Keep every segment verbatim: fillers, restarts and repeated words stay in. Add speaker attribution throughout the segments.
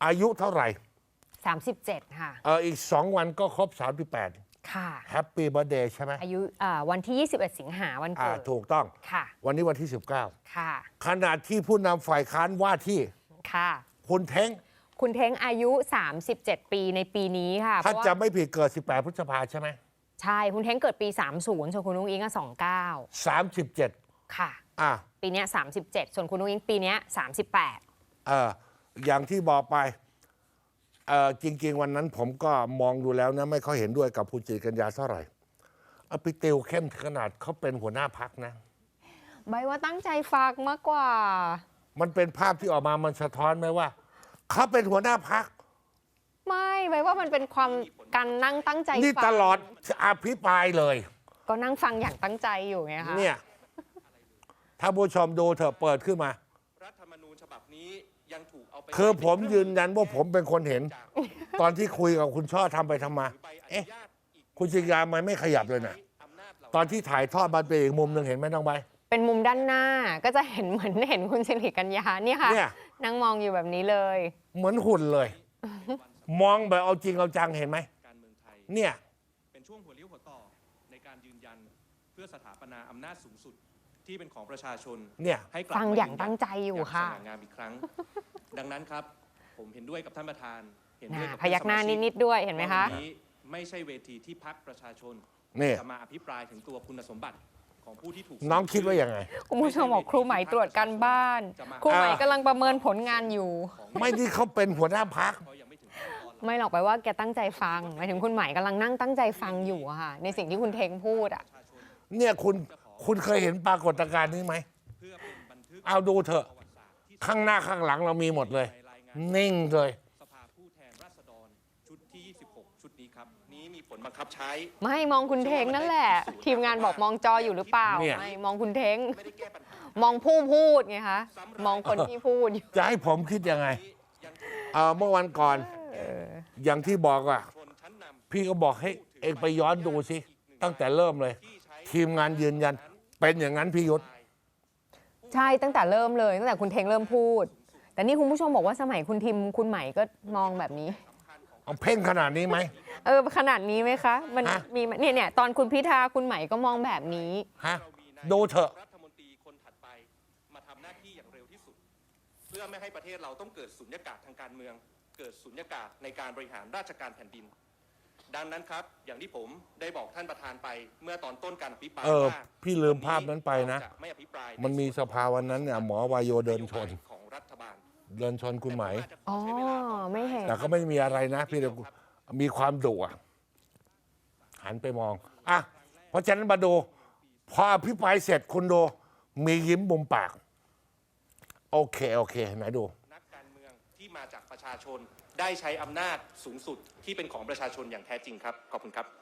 Speaker 1: อายุเท่าไหร่
Speaker 2: สามสิบเจ็ดค่ะ
Speaker 1: เอออีกสองวันก็ครบสามสิบแปด
Speaker 2: ค่ะ
Speaker 1: แฮปปี้เบิร์ธเดย์ใช่ไหม
Speaker 2: อายุวันที่ยี่สิบเอ็ดสิงหาวันเกิด
Speaker 1: ถูกต้อง
Speaker 2: ค่ะ
Speaker 1: วันนี้วันที่สิบเก้า
Speaker 2: ค่ะ
Speaker 1: ขณะที่ผู้นำฝ่ายค้านว่าที่
Speaker 2: ค่ะ
Speaker 1: คุณเท้ง
Speaker 2: คุณเท้งอายุสามสิบเจ็ดปีในปีนี้ค่ะ
Speaker 1: ถ้าจะไม่ผิดเกิดสิบแปดพฤษภาใช่ไหม
Speaker 2: ใช่คุณเท้งเกิดปีสามสิบส่วนคุณนุ้งอิงก็สองสิบเก้า
Speaker 1: สามสิบเจ็ด
Speaker 2: ค่ะ
Speaker 1: อ่ะ
Speaker 2: ปีนี้สามสิบเจ็ดส่วนคุณนุ้งอิงปีนี้สามสิบแปด
Speaker 1: เอออย่างที่บอกไปเออจริงๆวันนั้นผมก็มองดูแล้วนะไม่ค่อยเห็นด้วยกับคุณจิตรกัญญาเท่าไหร่เอาไปเตียวเข้มขนาดเขาเป็นหัวหน้าพักนะ
Speaker 2: ใบว่าตั้งใจฟังมากกว่า
Speaker 1: มันเป็นภาพที่ออกมามันสะท้อนไหมว่าเขาเป็นหัวหน้าพัก
Speaker 2: ไม่ใบว่ามันเป็นความการนั่งตั้งใจ
Speaker 1: นี่ตลอดอภิปรายเลย
Speaker 2: ก็นั่งฟังอย่างตั้งใจอยู่ไงคะ
Speaker 1: เนี่ยถ้าผู้ชมดูเถอะเปิดขึ้นมา
Speaker 3: รัฐธรรมนูญฉบับนี้ยังถูกเอาไป
Speaker 1: คือผมยืนยันว่าผมเป็นคนเห็นตอนที่คุยกับคุณช่อทำไปทำมาเอ๊ะคุณจิตรยามันไม่ขยับเลยนะตอนที่ถ่ายทอดมันเป็นอีกมุมหนึ่งเห็นไหมน้องใบ
Speaker 2: เป็นมุมด้านหน้าก็จะเห็นเหมือนเห็นคุณสิริกัญญาเนี่ยค่ะนั่งมองอยู่แบบนี้เลย
Speaker 1: เหมือนหุ่นเลยมองแบบเอาจริงเอาจังเห็นไหมเนี่ย
Speaker 3: เป็นช่วงหัวเลี้ยวหัวต่อในการยืนยันเพื่อสถาปนาอำนาจสูงสุดที่เป็นของประชาชน
Speaker 1: เนี่ย
Speaker 3: ให้
Speaker 2: ฟังอย่างตั้งใจอยู่ค่ะ
Speaker 3: สง่างามอีกครั้งดังนั้นครับผมเห็นด้วยกับท่านประธาน
Speaker 2: เห็นด้วยกับพยักหน้านิดๆด้วยเห็นไหมคะ
Speaker 3: นี้ไม่ใช่เวทีที่พรรคประชาชนจะมาอภิปรายถึงตัวคุณสมบัติของผู้ที่ถูก
Speaker 1: น้องคิดว่ายังไง
Speaker 2: คุณผู้ชมบอกครูไหมตรวจการบ้านครูไหมกำลังประเมินผลงานอยู่
Speaker 1: ไม่ที่เขาเป็นหัวหน้าพรรค
Speaker 2: ไม่หรอกไปว่าแกตั้งใจฟังหมายถึงคุณไหมกำลังนั่งตั้งใจฟังอยู่อะค่ะในสิ่งที่คุณเทงพูดอะ
Speaker 1: เนี่ยคุณคุณเคยเห็นปรากฏการณ์นี้ไหมเอาดูเถอะข้างหน้าข้างหลังเรามีหมดเลยนิ่งเลย
Speaker 3: สภาผู้แทนราษฎรชุดที่ยี่สิบหกชุดนี้ครับนี้มีผลบังคับใช้
Speaker 2: ไม่มองคุณเทงนั่นแหละทีมงานบอกมองจออยู่หรือเปล่าไม่มองคุณเทงมองผู้พูดไงคะมองคนที่พูด
Speaker 1: จะให้ผมคิดยังไงเอ่อเมื่อวันก่อนอย่างที่บอกอ่ะพี่ก็บอกให้เองไปย้อนดูสิตั้งแต่เริ่มเลยทีมงานยืนยันเป็นอย่างนั้นพี่ยุทธ
Speaker 2: ใช่ตั้งแต่เริ่มเลยตั้งแต่คุณเทงเริ่มพูดแต่นี่คุณผู้ชมบอกว่าสมัยคุณทิมคุณใหม่ก็มองแบบนี้
Speaker 1: เอาเพ่งขนาดนี้ไหม
Speaker 2: เออขนาดนี้ไหมคะมันมีเนี่ยเนี่ยตอนคุณพิธาคุณใหม่ก็มองแบบนี้
Speaker 1: ฮะดูเถอะ
Speaker 3: รัฐมนตรีคนถัดไปมาทำหน้าที่อย่างเร็วที่สุดเพื่อไม่ให้ประเทศเราต้องเกิดสุญญากาศทางการเมืองเกิดสุญญากาศในการบริหารราชการแผ่นดินดังนั้นครับอย่างที่ผมได้บอกท่านประธานไปเมื่อตอนต้นการอภิปรายว่า
Speaker 1: พี่ลืมภาพนั้นไปนะมันมีสภาวันนั้นเนี่ยหมอวายโยเดินชน
Speaker 3: ของรัฐบาล
Speaker 1: เดินชนคุณไหม
Speaker 2: อ๋อไม่เห็น
Speaker 1: แต่ก็ไม่มีอะไรนะพี่เดียวมีความดุหันไปมองอ่ะเพราะฉะนั้นมาดูพออภิปรายเสร็จคุณดูมียิ้มมุมปากโอเคโอเคไหนดู
Speaker 3: นักการเมืองที่มาจากประชาชนได้ใช้อำนาจสูงสุดที่เป็นของประชาชนอย่างแท้จริงครับขอบคุณครับ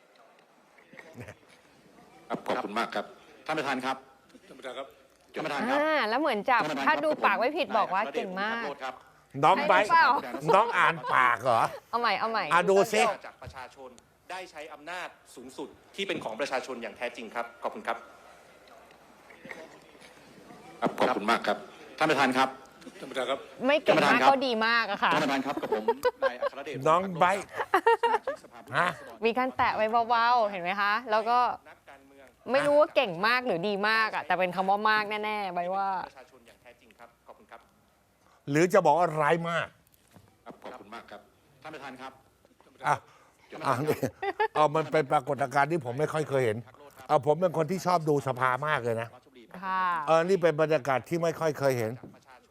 Speaker 4: ขอบคุณมากครับท่านประธานครับท่านประธานครับท่านประธานครับ
Speaker 2: แล้วเหมือนจับถ้าดูปากไม่ผิดบอกว่าเก่งมาก
Speaker 1: น้องใบน้องอ่านปากเหรอ
Speaker 2: เอาใหม่เอาใหม่
Speaker 1: อ่ะดูซิ
Speaker 3: จากประชาชนได้ใช้อำนาจสูงสุดที่เป็นของประชาชนอย่างแท้จริงครับขอบคุณครับ
Speaker 4: ขอบคุณมากครับท่านประธานครับท่านประธานครับ
Speaker 2: ไม่เก่งมากก็ดีมากอะค่ะ
Speaker 4: ท่านประธานครับกับผมนายอัครเดช
Speaker 1: น้องใบฮะ
Speaker 2: มีการแตะไว้เบาๆเห็นไหมคะแล้วก็ไม่รู้ว่าเก่งมากหรือดีมากอะแต่เป็นคำว่ามากแน่ๆใบว่า
Speaker 3: ประชาชนอย่างแท้จริงครับขอบคุณครับ
Speaker 1: หรือจะบอกว่าร้ายมาก
Speaker 4: ขอบคุณมากครับท่านประธานครับ
Speaker 1: อ่ะอ่ะนี่เอามันเป็นปรากฏการณ์ที่ผมไม่ค่อยเคยเห็นเอาผมเป็นคนที่ชอบดูสภามากเลยนะ
Speaker 2: ค่ะ
Speaker 1: เออนี่เป็นบรรยากาศที่ไม่ค่อยเคยเห็น